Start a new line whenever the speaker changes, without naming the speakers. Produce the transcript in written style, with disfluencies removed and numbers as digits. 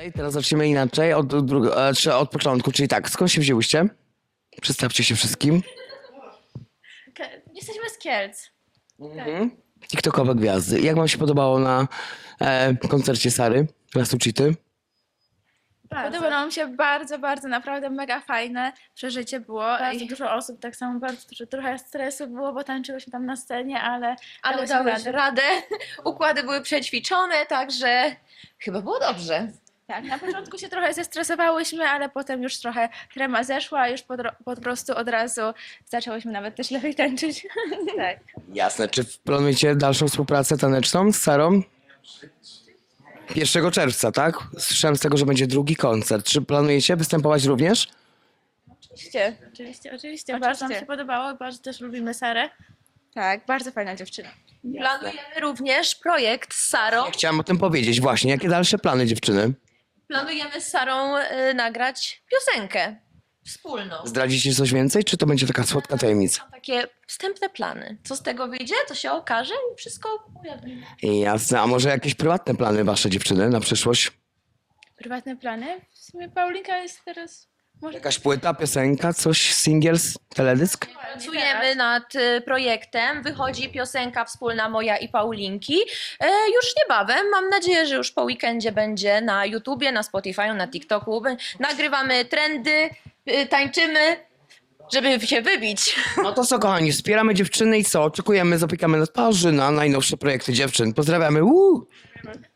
inaczej, teraz zaczniemy inaczej, od początku, czyli tak, skąd się wzięłyście? Przedstawcie się wszystkim.
Jesteśmy z Kielc.
TikTokowe gwiazdy. Jak wam się podobało na koncercie Sary, Lasu Cheaty?
Podobało nam się bardzo, bardzo, naprawdę mega fajne przeżycie było. Bardzo dużo osób, tak samo bardzo dużo, trochę stresu było, bo tańczyłyśmy tam na scenie, ale
dałeś radę. Układy były przećwiczone, także chyba było dobrze.
Tak, na początku się trochę zestresowałyśmy, ale potem już trochę trema zeszła, już po prostu od razu zaczęłyśmy nawet też lepiej tańczyć. Tak.
Jasne. Czy planujecie dalszą współpracę taneczną z Sarą? 1 czerwca, tak? Słyszałem z tego, że będzie drugi koncert. Czy planujecie występować również?
Oczywiście. Bardzo nam się podobało, bardzo też lubimy Sarę.
Tak, bardzo fajna dziewczyna. Planujemy również projekt z Sarą.
Chciałem o tym powiedzieć właśnie. Jakie dalsze plany, dziewczyny?
Planujemy z Sarą nagrać piosenkę wspólną.
Zdradzicie coś więcej, czy to będzie taka słodka tajemnica?
Mam takie wstępne plany. Co z tego wyjdzie, to się okaże i wszystko ujawnimy.
Jasne. A może jakieś prywatne plany wasze, dziewczyny, na przyszłość?
Prywatne plany? W sumie Paulinka jest teraz... Może
Jakaś płyta, piosenka, coś, singles, teledysk?
Pracujemy nad projektem. Wychodzi piosenka wspólna moja i Paulinki. Już niebawem. Mam nadzieję, że już po weekendzie będzie na YouTubie, na Spotify, na TikToku. Nagrywamy trendy, tańczymy, żeby się wybić.
No to co, kochani, wspieramy dziewczyny i co? Oczekujemy, zapiekamy na twarzy na najnowsze projekty dziewczyn. Pozdrawiamy.